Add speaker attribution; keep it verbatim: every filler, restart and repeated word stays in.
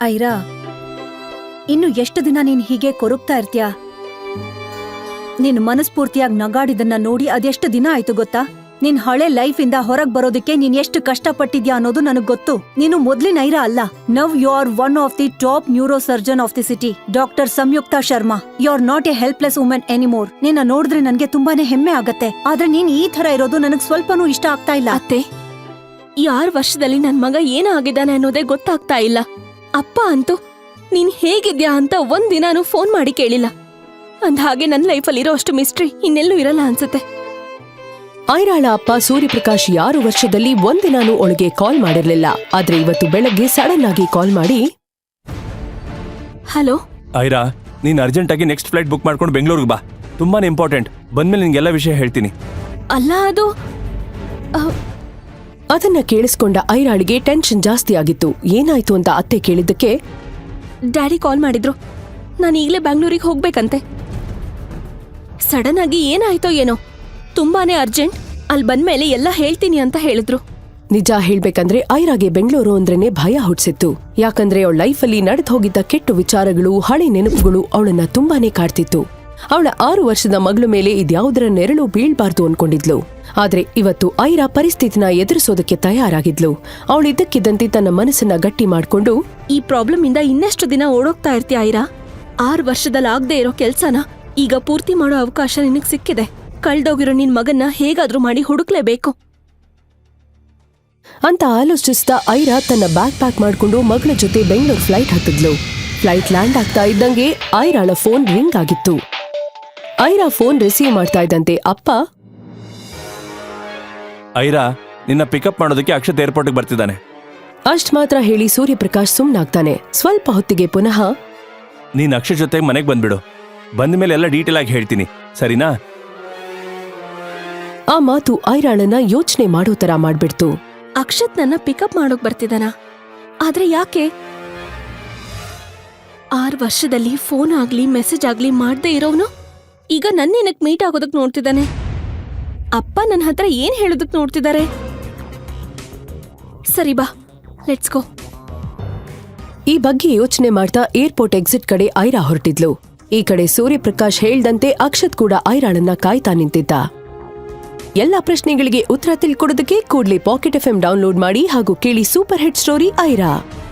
Speaker 1: ಐರಾ, ಇನ್ನು ಎಷ್ಟು ದಿನ ನೀನ್ ಹೀಗೆ ಕೊರಗ್ತಾ ಇರ್ತೀಯ? ನಿನ್ ಮನಸ್ಫೂರ್ತಿಯಾಗಿ ನಗಾಡಿದನ್ನ ನೋಡಿ ಅದೆಷ್ಟು ದಿನ ಆಯ್ತು ಗೊತ್ತಾ? ನಿನ್ ಹಳೆ ಲೈಫ್ ಇಂದ ಹೊರಗ್ ಬರೋದಕ್ಕೆ ನೀನ್ ಎಷ್ಟು ಕಷ್ಟಪಟ್ಟಿದ್ಯಾ ಅನ್ನೋದು ನನಗ್ ಗೊತ್ತು. ನೀನು ಮೊದ್ಲಿನ ಐರಾ ಅಲ್ಲ. Now you are one of the top neurosurgeon of the city, doctor Samyukta Sharma. You are not a helpless women anymore. ನಿನ್ನ ನೋಡಿದ್ರೆ ನನ್ಗೆ ತುಂಬಾನೇ ಹೆಮ್ಮೆ ಆಗತ್ತೆ. ಆದ್ರೆ ನೀನ್ ಈ ತರ ಇರೋದು ನನಗ್ ಸ್ವಲ್ಪನೂ ಇಷ್ಟ ಆಗ್ತಾ ಇಲ್ಲ.
Speaker 2: ಅತ್ತೆ, ಈ ಆರು ವರ್ಷದಲ್ಲಿ ನನ್ ಮಗ ಏನಾಗಿದ್ದಾನೆ ಅನ್ನೋದೇ ಗೊತ್ತಾಗ್ತಾ ಇಲ್ಲ. ಅಪ್ಪ ಅಂತೂ ನೀನ್ ಹೇಗಿದ್ಯಾ ಅಂತ ಒಂದ್ ದಿನಾನು ಫೋನ್ ಮಾಡಿ ಕೇಳಿಲ್ಲ. ಅಂದ ಹಾಗೆ ನನ್ ಲೈಫಲ್ಲಿ ಇರೋ ಅಷ್ಟು ಮಿಸ್ಟ್ರಿ ಇನ್ನೆಲ್ಲೂ ಇರಲ್ಲ ಅನ್ಸುತ್ತೆ.
Speaker 3: ಐರಾಳ ಅಪ್ಪ ಸೂರ್ಯಪ್ರಕಾಶ್ ಆರು ವರ್ಷದಲ್ಲಿ ಒಂದಿನಾನು ಒಳಗೆ ಕಾಲ್ ಮಾಡಿರ್ಲಿಲ್ಲ. ಆದ್ರೆ ಇವತ್ತು ಬೆಳಗ್ಗೆ ಸಡನ್ ಆಗಿ ಕಾಲ್ ಮಾಡಿ,
Speaker 2: ಹಲೋ
Speaker 4: ಐರಾ, ನೀನ್ ಅರ್ಜೆಂಟ್ ಆಗಿ ನೆಕ್ಸ್ಟ್ ಫ್ಲೈಟ್ ಬುಕ್ ಮಾಡ್ಕೊಂಡು ಬೆಂಗಳೂರಿಗೆ ಬಾ. ತುಂಬಾನೇ ಇಂಪಾರ್ಟೆಂಟ್. ಬಂದ್ಮೇಲೆ ನಿನ್ಗೆಲ್ಲ ವಿಷಯ ಹೇಳ್ತೀನಿ.
Speaker 2: ಅಲ್ಲ ಅದು
Speaker 3: ಅದನ್ನ ಕೇಳಿಸ್ಕೊಂಡ ಐರಾಳಿಗೆ ಟೆನ್ಷನ್ ಜಾಸ್ತಿ ಆಗಿತ್ತು. ಏನಾಯ್ತು ಅಂತ ಅತ್ತೆ ಕೇಳಿದ್ದಕ್ಕೆ,
Speaker 2: ಡ್ಯಾಡಿ ಕಾಲ್ ಮಾಡಿದ್ರು. ನಾನು ಈಗ್ಲೇ ಬ್ಯಾಂಗ್ಳೂರಿಗೆ ಹೋಗ್ಬೇಕಂತೆ. ಸಡನ್ ಆಗಿ ಏನಾಯ್ತೋ ಏನೋ, ತುಂಬಾನೇ ಅರ್ಜೆಂಟ್. ಅಲ್ಲಿ ಬಂದ್ಮೇಲೆ ಎಲ್ಲ ಹೇಳ್ತೀನಿ ಅಂತ ಹೇಳಿದ್ರು.
Speaker 3: ನಿಜ ಹೇಳ್ಬೇಕಂದ್ರೆ ಐರಾಗೆ ಬೆಂಗಳೂರು ಅಂದ್ರೇನೆ ಭಯ ಹುಟ್ಸಿತ್ತು. ಯಾಕಂದ್ರೆ ಅವಳ ಲೈಫಲ್ಲಿ ನಡೆದು ಹೋಗಿದ್ದ ಕೆಟ್ಟ ವಿಚಾರಗಳು, ಹಳೆ ನೆನಪುಗಳು ಅವಳನ್ನ ತುಂಬಾನೇ ಕಾಡ್ತಿತ್ತು. ಅವಳ ಆರು ವರ್ಷದ ಮಗಳ ಮೇಲೆ ಇದ್ಯಾವುದರ ನೆರಳು ಬೀಳ್ಬಾರ್ದು ಅನ್ಕೊಂಡಿದ್ಲು. ಆದ್ರೆ ಇವತ್ತು ಐರಾ ಪರಿಸ್ಥಿತಿನ ಎದುರಿಸೋದಕ್ಕೆ ತಯಾರಾಗಿದ್ಲು. ಅವಳಿದ್ದಕ್ಕಿದ್ದಂತೆ ತನ್ನ ಮನಸ್ಸನ್ನ ಗಟ್ಟಿ ಮಾಡ್ಕೊಂಡು,
Speaker 2: ಈ ಪ್ರಾಬ್ಲಮ್ ಇಂದ ಇನ್ನೆಷ್ಟು ದಿನ ಓಡೋಗ್ತಾ ಇರ್ತೀಯ ಐರಾ? ಆರು ವರ್ಷದಲ್ಲಿ ಆಗದೆ ಇರೋ ಕೆಲ್ಸನ ಈಗ ಪೂರ್ತಿ ಮಾಡೋ ಅವಕಾಶ ನಿನಗ್ ಸಿಕ್ಕಿದೆ. ಕಳ್ದೋಗಿರೋ ನಿನ್ ಮಗನ್ನ ಹೇಗಾದ್ರೂ ಮಾಡಿ ಹುಡುಕ್ಲೇಬೇಕು
Speaker 3: ಅಂತ ಆಲೋಚಿಸ್ತಾ ಐರಾ ತನ್ನ ಬ್ಯಾಗ್ ಪ್ಯಾಕ್ ಮಾಡ್ಕೊಂಡು ಮಗಳ ಜೊತೆ ಬೆಂಗಳೂರು ಫ್ಲೈಟ್ ಹತ್ತಿದ್ಲು. ಫ್ಲೈಟ್ ಲ್ಯಾಂಡ್ ಆಗ್ತಾ ಇದ್ದಂಗೆ ಐರಾಳ ಫೋನ್ ರಿಂಗ್ ಆಗಿತ್ತು. ಐರಾ ಫೋನ್ ರಿಸೀವ್ ಮಾಡ್ತಾ ಇದ್ದಂತೆ ಅಪ್ಪ,
Speaker 4: ಐರಾ, ನಿನ್ನ ಪಿಕಪ್ ಮಾಡೋದಕ್ಕೆ ಅಕ್ಷತ್ ಏರ್ಪೋರ್ಟ್ಗೆ ಬರ್ತಿದ್ದಾನೆ.
Speaker 3: ಅಷ್ಟ್ ಮಾತ್ರ ಹೇಳಿ ಸೂರ್ಯಪ್ರಕಾಶ್ ಸುಮ್ನಾಗ್ತಾನೆ. ಸ್ವಲ್ಪ ಹೊತ್ತಿಗೆ ಪುನಃ,
Speaker 4: ನೀನ್ ಅಕ್ಷತ್ ಜೊತೆಗೆ ಮನೆಗೆ ಬಂದ್ಬಿಡು. ಬಂದ ಮೇಲೆ ಎಲ್ಲ ಡೀಟೇಲ್ ಆಗಿ ಹೇಳ್ತೀನಿ, ಸರಿನಾ?
Speaker 3: ಆ ಮಾತು ಐರಾಳನ್ನ ಯೋಚನೆ ಮಾಡೋ ತರ ಮಾಡ್ಬಿಡ್ತು.
Speaker 2: ಅಕ್ಷತ್ ನನ್ನ ಪಿಕಪ್ ಮಾಡೋಕ್ ಬರ್ತಿದ್ದಾನ? ಆದ್ರೆ ಯಾಕೆ? ಆರು ವರ್ಷದಲ್ಲಿ ಫೋನ್ ಆಗ್ಲಿ ಮೆಸೇಜ್ ಆಗ್ಲಿ ಮಾಡ್ದೇ ಇರೋನು ಈಗ ನನ್ನೇನಕ್ ಮೀಟ್ ಆಗೋದಕ್ ನೋಡ್ತಿದ್ದಾನೆ? ಅಪ್ಪ ನನ್ನ ಹತ್ರ ಏನ್ ಹೇಳೋದಕ್ ನೋಡ್ತಿದ್ದಾರೆ? ಸರಿ ಬಾ, ಲೆಟ್ಸ್ ಗೋ.
Speaker 3: ಈ ಬಗ್ಗೆ ಯೋಚನೆ ಮಾಡ್ತಾ ಏರ್ಪೋರ್ಟ್ ಎಕ್ಸಿಟ್ ಕಡೆ ಐರಾ ಹೊರಟಿದ್ಲು. ಈ ಕಡೆ ಸೂರ್ಯಪ್ರಕಾಶ್ ಹೇಳ್ದಂತೆ ಅಕ್ಷತ್ ಕೂಡ ಐರಾಳನ್ನ ಕಾಯ್ತಾ ನಿಂತಿದ್ದ. ಎಲ್ಲಾ ಪ್ರಶ್ನೆಗಳಿಗೆ ಉತ್ತರ ತಿಳ್ಕೊಡೋದಕ್ಕೆ ಕೂಡ್ಲೇ ಪಾಕೆಟ್ ಎಫ್ ಎಂ ಡೌನ್ಲೋಡ್ ಮಾಡಿ ಹಾಗೂ ಕೇಳಿ ಸೂಪರ್ ಹಿಟ್ ಸ್ಟೋರಿ ಐರಾ.